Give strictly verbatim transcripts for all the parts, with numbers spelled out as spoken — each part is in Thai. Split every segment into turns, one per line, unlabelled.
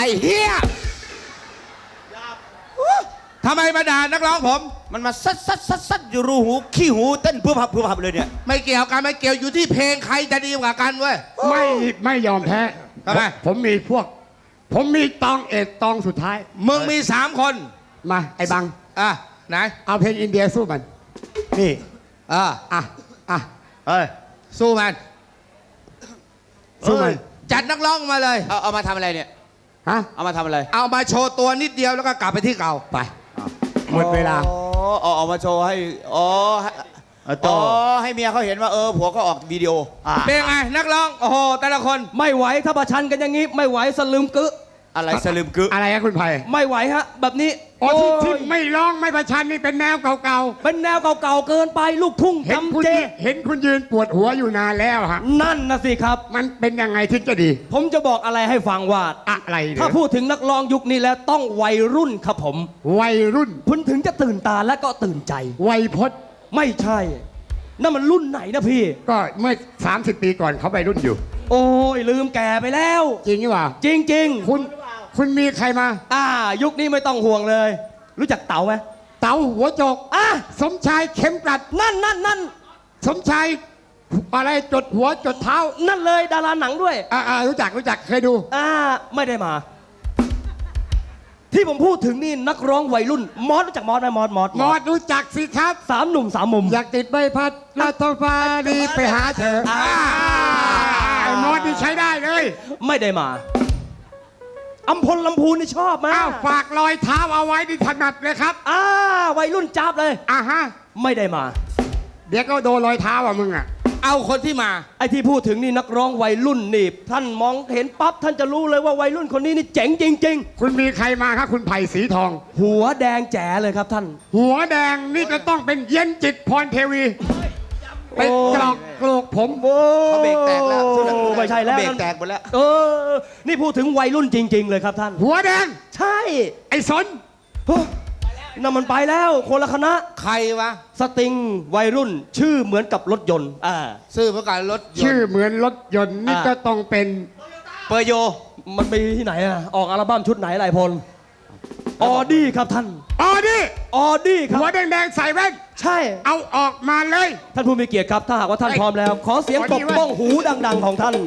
อ้เฮีย
ทำไมมาด่านักร้องผม
มันมาซัดซัดซัดซัดอยู่รูหูขี้หูเต้นเพื่อพับเพื่อพับเลยเนี่ย
ไม่เกี่ยวกันไม่เกี่ยวอยู่ที่เพลงใครจะดีกว่ากันเว้ย
ไม่ไม่ยอมแพ้
ทำไม
ผมมีพวก ผมมีตองเอกตองสุดท้าย
มึงมีสามคน
มาไอ้บัง
อ่ะไหน
เอาเพลงอินเดียสู้มันนี่
อ่ะ
อ่ะอ่ะ
เฮ้ยสู้มัน
สู้มัน
จัดนักร้องมาเลย
เอาเอามาทำอะไรเนี่ย
ฮะ
เอามาทำอะไร
เอามาโชว์ตัวนิดเดียวแล้วก็กลับไปที่เก่า
ไปหมดเวลา
อ๋อเอามาโชว์ให้อ๋ออ๋อให้เมียเขาเห็นว่าเออผัวก็ออกวิดีโอ
เป็นไงนักร้องโอ้โหแต่ละคน
ไม่ไหวถ้าประชันกันอย่างนี้ไม่ไหวสลืมกึ
อะไรสลืมกึ
อะไรครับคุณไผ่
ไม่ไหวฮะแบบนี้
โอ้ที่ที่ไม่ร้องไม่ประชันนี่เป็นแนวเก่า
ๆเป็นแนวเก่าๆเกินไปลูกทุ่งจำเจ
เห็นคุณยืนปวดหัวอยู่นานแล้วฮะ
นั่นนะสิครับ
มันเป็นยังไงถึงจะดี
ผมจะบอกอะไรให้ฟังว่า
อะไร
ถ้าพูดถึงนักร้องยุคนี้แล้วต้องวัยรุ่นครับผม
วัยรุ่น
คุณถึงจะตื่นตาและก็ตื่นใจ
วัยพจน์
ไม่ใช่นั่นมันรุ่นไหนนะพี่
ก็เมื่อสามสิบปีก่อนเขาวัยรุ่นอยู่
โอ้ยลืมแก่ไปแล้ว
จริงหรือเปล่า
จริงจริง
คุณคุณมีใครมา
อ่ายุคนี้ไม่ต้องห่วงเลยรู้จักเต๋าไหม
เต๋าหัวโจก
อ่ะ
สมชายเข็มกลัด
นั่นนั่นนั่น
สมชายอะไรจดหัวจดเท้า
นั่นเลยดาราหนังด้วย
อ่ารู้จักรู้จักเคยดู
อ่าไม่ได้มาที่ผมพูดถึงนี่นักร้องวัยรุ่นมอสรู้จักมอสไหมมอสมอส
มอสรู้จักสิครับ
สามหนุ่มสามมุม
อยากติดใบพัดแล้วท้องฟ้าดีไปหาเธอไอ้มอสนี่ใช้ได้เลย
ไม่ได้มาอัมพลลำพูนนี่ชอบมาก
ฝากรอยเท้าเอาไว้ที่ถนัดเลยครับ
อ่าวัยรุ่นจับเลย
อ่าฮะ
ไม่ได้มา
เดี๋ยวก็โดนรอยเท้าอ่ะมึงอ่ะ
เอาคนที่มา
ไอ้ที่พูดถึงนี่นักร้องวัยรุ่นนี่ท่านมองเห็นปั๊บท่านจะรู้เลยว่าวัยรุ่นคนนี้นี่เจ๋งจริงๆ
คุณมีใครมาครับคุณไผ่สีทอง
หัวแดงแจ๋เลยครับท่าน
หัวแดงนี่จะต้องเป็นเย็นจิตพรเทวีเป็นกรอกกรอกผม
โอ้
เขาเบรกแตกแล้ว
ไม่ใช่แล้ว
เบรกแตกหมดแล้ว
เออนี่พูดถึงวัยรุ่นจริงๆเลยครับท่าน
หัวแดง
ใช่
ไอ้สน
นั่นมันไปแล้วคนละคณะ
ใครวะ
สติงวัยรุ่นชื่อเหมือนกับรถยนต์อ่า
ชื่อเหมือนกับรถยนต์
ชื่อเหมือนรถยนต์นี่ก็ต้องเป็น
เปอร์โยมันมีที่ไหนอ่ะออกอัลบั้มชุดไหนหลายพลออดี้ครับท่าน
ออดี้
ออดี้ครับ
หัวแดงๆใส่แว่น
ใช่
เอาออกมาเลย
ท่านผู้มีเกียรติครับถ้าหากว่าท่านพร้อมแล้วขอเสียงตบบ้องหูดังๆของท่าน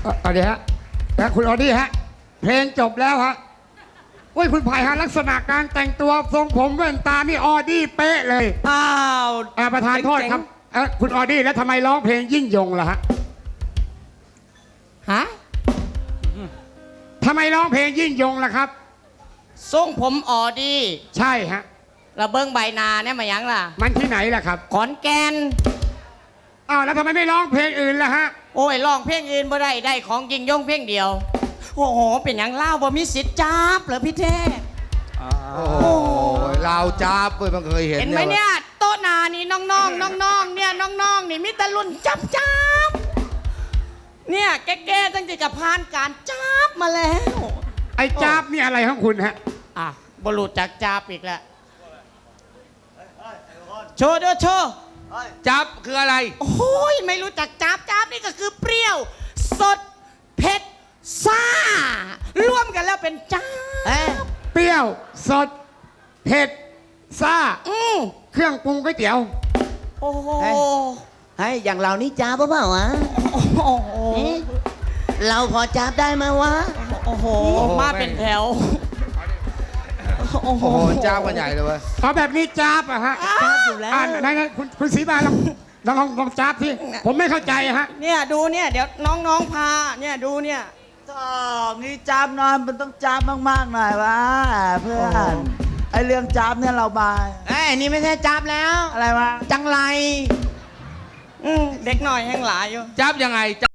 เอ่อเอาเดี๋ยวฮะแล้วคุณออดี้ฮะ เพลงจบแล้วฮะโอ้ยคุณไผ่ฮะลักษณะการแต่งตัวทรงผมแว่นตานี่ออดี้เป๊ะเลย
อ้าว
อ่าประธานโทษครับเอ่อคุณออดี้แล้วทำไมร้องเพลงยิ่งยงล่ะฮะ
ฮะ
ทำไมร้องเพลงยิ่งยงล่ะครับ
ทรงผมออดี
ใช่ฮะ
ระเบิงใบนาเนี่ยมาหยังล่ะ
มันที่ไหนล่ะครับ
ขอนแก่น
อ้าวแล้วทำไมไม่ร้องเพลงอื่นล่ะฮะ
โอ้ยร้องเพลงอื่นบ่ได้ได้ของยิงยงเพลงเดียว โอ้โห เป็นหยังเล่าบ่มีสิทธิ์จับเหรอพี่เทพ
โอ้โหเราวจ้าบเว้ยมันเคยเห็น
เห็นไหมเนี่ยโต๊ะหนานี่น้องๆน้องๆเนี่ยน้องๆนี่มีแต่รุ่นจับจับเนี่ยแก่ๆตั้งแต่จะผ่านการจับมาแล้ว
ไอ้จ้าบนี่อะไรของคุณฮะ
อ่ะบรุษจากจับอีกแล้วโชว์เด้อโชว์
จับคืออะไร
โอ้ยไม่รู้จักจับจับนี่ก็คือเปรี้ยว สดเผ็ดซ่ารวมกันแล้วเป็นจับ
เปรี้ยวสดเผ็ดซ่า
อืม
เครื่องปรุงก๋วยเตี๋ยว
โอ้โห
เฮ้ยอย่างเรานี่จ้าบเปล่าวะ
โอ้โห
เอ๊ะเราพอจ้าบได้ไหมวะ
โอ้โหมาเป็นแถวโอ้โห
โอ้โหจ้าบกันใหญ่เลยเว้ย
เอาแบบนี้จ้าบอะฮะ
จับอยู่แล้ว
อ่าไหนไหนคุณคุณศรีบาลองลองลองลองจ้าบที่ผมไม่เข้าใจอะฮะ
เนี่ยดูเนี่ยเดี๋ยวน้องๆพาเนี่ยดูเนี่ย
ชอบนี่จับหน่อยมันต้องจับมากๆหน่อยวะเพื่อนไอเรื่องจับเนี่ยเราบาย
เอ้ยนี่ไม่ใช่จับแล้ว
อะไรวะ
จังไร
อืมเด็กหน่อยแห้งหลายอยู่
จับยังไง